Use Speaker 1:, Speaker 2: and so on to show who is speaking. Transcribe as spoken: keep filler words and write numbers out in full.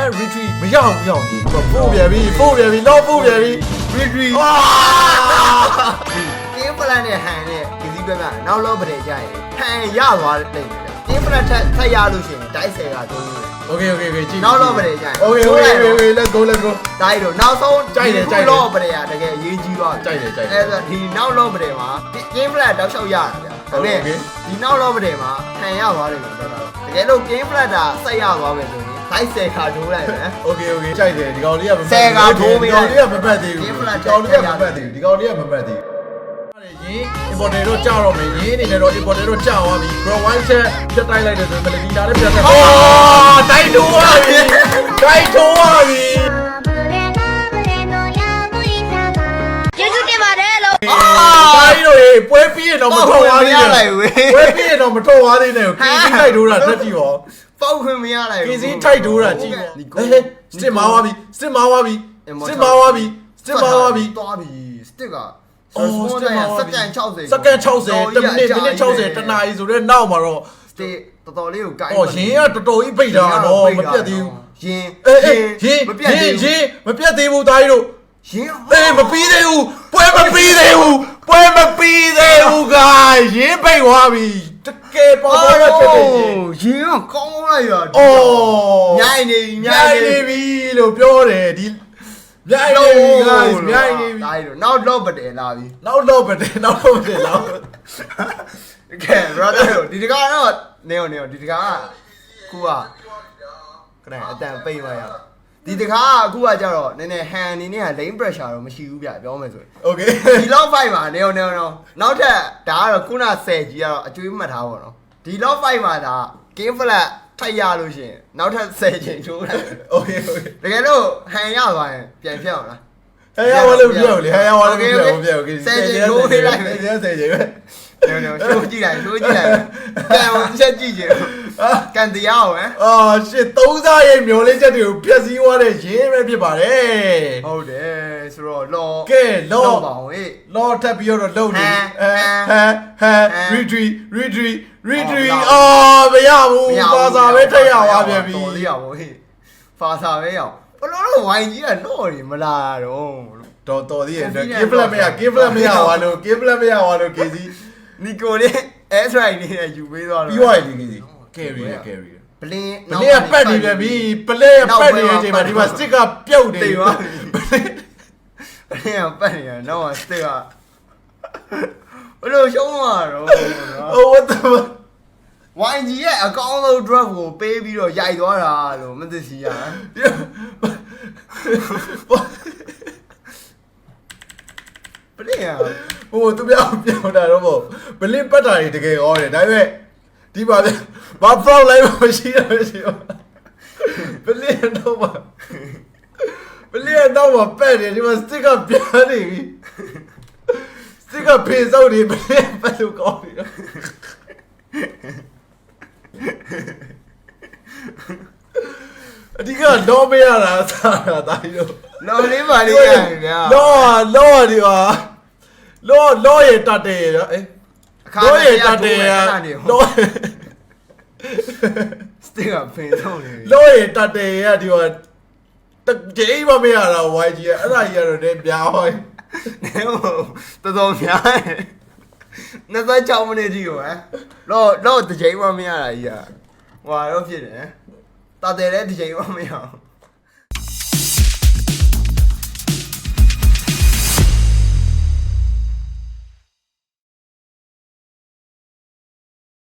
Speaker 1: retreat မရအောင်မရအောင်ကြီးပို့ပြန်ပြီပို့ပြန်ပြီတော့ပို့ပြန်ပြီ retreat အာ
Speaker 2: ကင်းပလန်နဲ့ဟန်နဲ့ဒီစည်းဘက်ကနောက်လောပတဲ့ကြရင်ဟန်ရသွားလိမ့်မယ်ကင်းပလန်ထက်ထက်ရလို့ရှိရင်ဒိုက်ဆယ်ကသုံးလို့
Speaker 1: Okay okay okay ကြည့်
Speaker 2: နောက်လောပတဲ့ကြရင်
Speaker 1: Okay okay okay let's go let's go
Speaker 2: ဒိုက်တော့နောက်ဆုံး
Speaker 1: ကြိုက်တယ်ကြိုက်တယ်
Speaker 2: လောပတဲ့ကတကယ်အရေးကြီးသွား
Speaker 1: ကြိုက်တယ်ကြိုက်တယ်
Speaker 2: အဲ့ဒါဒီနောက်လောပတဲ့မှာကင်းပလန်တောက်လျှောက်ရတာဗျာဒါပေမဲ့ဒီနောက်လောပတဲ့မှာဟန်ရသွားလိမ့်မယ်ပြောတာတကယ်လို့ကင်းပလန်တာဆက်ရသွားမယ်ဆိုရင်ဒိုက်ဆယ်ခါထိုးလိုက်မယ်
Speaker 1: Okay okay ကြိုက်တယ်ဒီကောင်လေးကမပတ်
Speaker 2: ဆယ်ကထိုးပြီး
Speaker 1: ဒီကောင်လေးကမပတ်သေးဘူးဒီကောင်လေးကမပတ်သေးဘူးဒီကောင်လေးကမပတ်သေးဘူးရင် importer တော့ကြောက်တော့မယ်ရင်းအနေနဲ့တော့ importer တော့ကြောက်သွားပြီ bro one set ပြတ်တိုက်လိုက်တယ်ဆိုရင် melody လာလည်းပြတ်တယ်အော်တိုက်ထိုးသွားပြီတိုက်ထိုးသွားပြီ
Speaker 3: ကျေးဇူးတင်ပါတယ်လို့
Speaker 1: အာတိုက်တော့ရေပွဲပြီးရင်တော့မထွက်သွားသေးဘူးပွဲပြီးရင်တော့မထွက်သွားသေးနဲ့ကိုကင်းစီးတိုက်ထိုးတာတက်ကြည့်ရော
Speaker 2: ပေါက်ခွင့်မရလိုက်ဘူး
Speaker 1: ကင်းစီးထိုက်ထိုးတာကြည့်ရောဟဲ့စစ်မာသွားပြီစစ်မာသွားပြီစစ်မာသွားပြီစစ်မာသွားပြီ
Speaker 2: သွားပြီစတစ်ကအော်စတက်စက္ကန့်60
Speaker 1: စက္ကန့်60တမိနစ်မိနစ်60တနာရီဆိုတော့နောက်မှာတော့
Speaker 2: စတစ်တော်တော်လေးကိုကိုင်း
Speaker 1: အော်ရင်းကတော်တော်ကြီးပိတ်တာတော့မပြတ်သေးဘူး
Speaker 2: ရင်း
Speaker 1: အေးအေးရင်းမပြတ်သေးဘူးရင်းမပြတ်သေးဘူးသားကြီးတို့
Speaker 2: ရင်း
Speaker 1: အေးမပြီးသေးဘူးပွဲမပြီးသေးဘူးပွဲမပြီးသေးဘူးကရင်းပိတ်သွားပြီတကယ်ပေါ်ပေါ်ရဖြစ်နေရ
Speaker 2: င်းကကောင်းလိုက်ရ
Speaker 1: အော်
Speaker 2: မြိုင်နေ
Speaker 1: မြိုင်နေပြီလို့ပြောတယ်ဒီမြိုင်နေပြီ guys မြိုင်နေပြီ
Speaker 2: ဒါရီတော့နောက်တော့ပတယ်လာပြီ
Speaker 1: နောက်တော့ပတယ်နောက်တော့ပတယ်လောက်က
Speaker 2: ဲ brother ဒီတကားတော့နေနေဒီတကားကခုကခဏအတန်ပိတ်သွားရဒီတကားကအခုကကြတော့နည်းနည်းဟန်အနေနဲ့က lane pressure တော့မရှိဘူးဗျပြောမယ်ဆိုရင်
Speaker 1: okay
Speaker 2: ဒီလောက် fight မှာနေနေနောက်ထပ်ဒါကတော့ခုနဆယ်ကြီးကတော့အကျွေးမှတ်ထားပါတော့ဒီလောက် fight မှာဒါ game flat ထိုက်ရလို့ရှိရင်နောက်ထပ်ဆယ်ချိန်ချိုးလိုက်
Speaker 1: okay okay
Speaker 2: တကယ်လို့ဟန်ရသွားရင်ပြန်ဖြတ်အောင်လား
Speaker 1: ဟန်ရဝါလို့ပြောလေဟန်ရဝါလို့ပြောပြော okay
Speaker 2: ဆယ်ချိန်ချိုးပေးလိုက်မယ်
Speaker 1: ဆယ်ချိန်ပဲ
Speaker 2: နေနေချိုးကြည့်လိုက်ချိုးကြည့်လိုက်ပြန်အောင်ချက်ကြည့်ကြည့်ကန်တရားအောင်ဟမ်
Speaker 1: အာရှစ်သုံးစားရဲ့မျောလေးချက်တွေကိုဖျက်ဆီးသွားတဲ့ရင်းပဲဖြစ်ပါတယ်
Speaker 2: ဟုတ်တယ်ဆိုတော့လော
Speaker 1: ကဲလော
Speaker 2: ပါအောင်ဟေး
Speaker 1: လောထပ်ပြီးတော့လုံနေဟမ်ဟမ်ဟမ် retreat retreat retreat အာမရဘူးဖာစာပဲထက်ရသွားပြန်ပြီ
Speaker 2: တော်လေးရပါဟေးဖာစာပဲရအောင်ဘလို့လို့ဝိုင်းကြီးကတော့နေမလာတော့
Speaker 1: တော်တော်သေးရဲ့ game plan မရ game plan မရပါလို့ game plan မရပါလို့ KC
Speaker 2: နီကိုလေး S right နဲ့ယူပေးသွားတော့
Speaker 1: ပြီးသွားပြီ KC carry ရ carry
Speaker 2: ပလင်း
Speaker 1: ပလင်းကပတ်နေပြန်ပြီပလင်းကပတ်နေတဲ့အချိန်မှာဒီမှာ stick ကပြုတ်နေပြီ
Speaker 2: ပလင်းကပတ်နေရတော့ stick ကဘလို့ရှုံးသွားတော့
Speaker 1: oh what the
Speaker 2: ဝိုင်းကြီးရဲ့အကောင်းဆုံး drug ကိုပေးပြီးတော့ရိုက်သွားတာလို့မသိစီရပလင်းက
Speaker 1: ဟိုသူပြောင်းပြောင်းတာတော့ပလင်းပတ်တာတွေတကယ်ဟောတယ်ဒါပေမဲ့ဒီပါဘာ front line မရှိရမရှိဘူးပလင်းတော့ပါပလင်းတော့ပါပတ်တယ်ဒီမှာ stick ကပြားနေပြီ stick ကဖေးစောက်နေပလင်းပတ်လို့ကောင်းပြီအဒီကတော့မရတာစားတာတာကြီးတော့
Speaker 2: လော်လေးပါလေးရဗျာ
Speaker 1: လောလောဒီပါလောလောရတတ်တယ်အေးလောရတတ်တယ်လော
Speaker 2: စတစ်ကဖင်ဆုံးနေ
Speaker 1: လောရတတ်တယ်ရဒီပါတကယ်မမရတာဝိုင်းကြီးအဲ့ဒါကြီးကတော့လည်းပြားဟော
Speaker 2: နေဟိုတော်တော်များတယ်နှစ်သက်၆မိနစ်ကြီးကိုဟမ်လောလောတကြိမ်မမရတာကြီးอ่ะဟွာတော့ဖြစ်တယ်တာတယ်လည်းတကြိမ်မမရအောင်